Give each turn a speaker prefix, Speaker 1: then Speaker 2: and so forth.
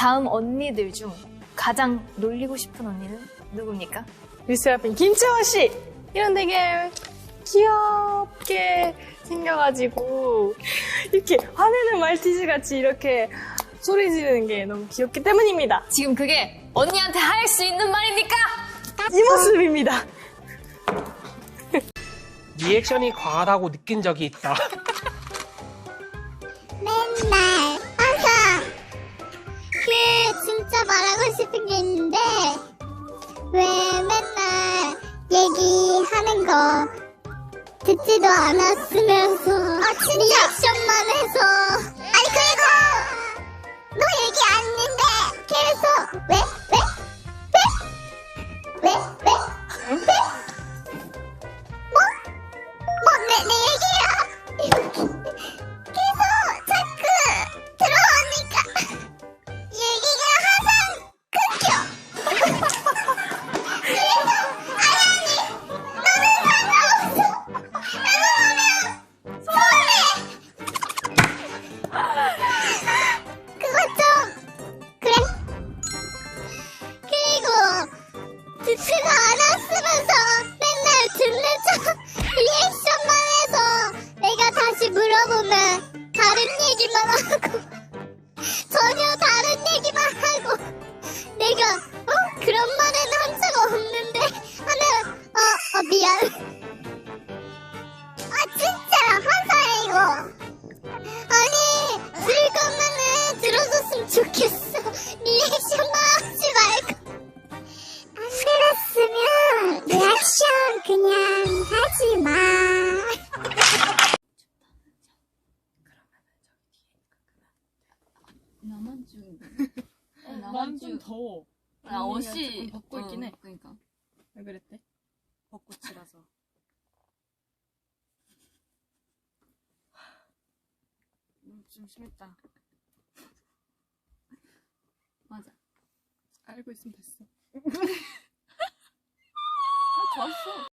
Speaker 1: 다음 언니들 중 가장 놀리고 싶은 언니는 누굽니까?
Speaker 2: 뉴스 앞인 김채원 씨! 이런 되게 귀엽게 생겨가지고 이렇게 화내는 말티즈 같이 이렇게 소리 지르는 게 너무 귀엽기 때문입니다.
Speaker 1: 지금 그게 언니한테 할 수 있는 말입니까?
Speaker 2: 이 모습입니다.
Speaker 3: 리액션이 과하다고 느낀 적이 있다.
Speaker 4: 맨날 항상 진짜 말하고 싶은 게 있는데 왜 맨날 얘기하는 거 듣지도 않았으면서 리액션만 해서 아니 그리고 너 얘기 안 했는데 계속 왜? 내 얘기야 계속 자꾸 들어오니까 얘기가 항상 끊겨. 그래서 아니 너는 상관없어. 라고 하면 서운해. 그거 좀 그래. 그리고 듣지도 않았으면서 맨날 듣는 척 리액션만 해서 내가 다시 물어보면 다른 얘기만 하고 전혀 다른 얘기만 하고 내가 그런 말은 한 적 없는데 하면 미안. 진짜 화사해 이거. 아니 들을 거면은 들어줬으면 좋겠어. 리액션만 하지 말고. 안 들었으면 리액션 그냥 하지 마.
Speaker 5: 나만 좀
Speaker 6: 난 좀 더워.
Speaker 5: 나 옷이
Speaker 6: 조금 벗고 있긴 해.
Speaker 5: 그러니까
Speaker 6: 왜 그랬대? 벚꽃이라서. 좀 심했다.
Speaker 5: 맞아.
Speaker 6: 알고 있으면 됐어.
Speaker 5: 좋았어.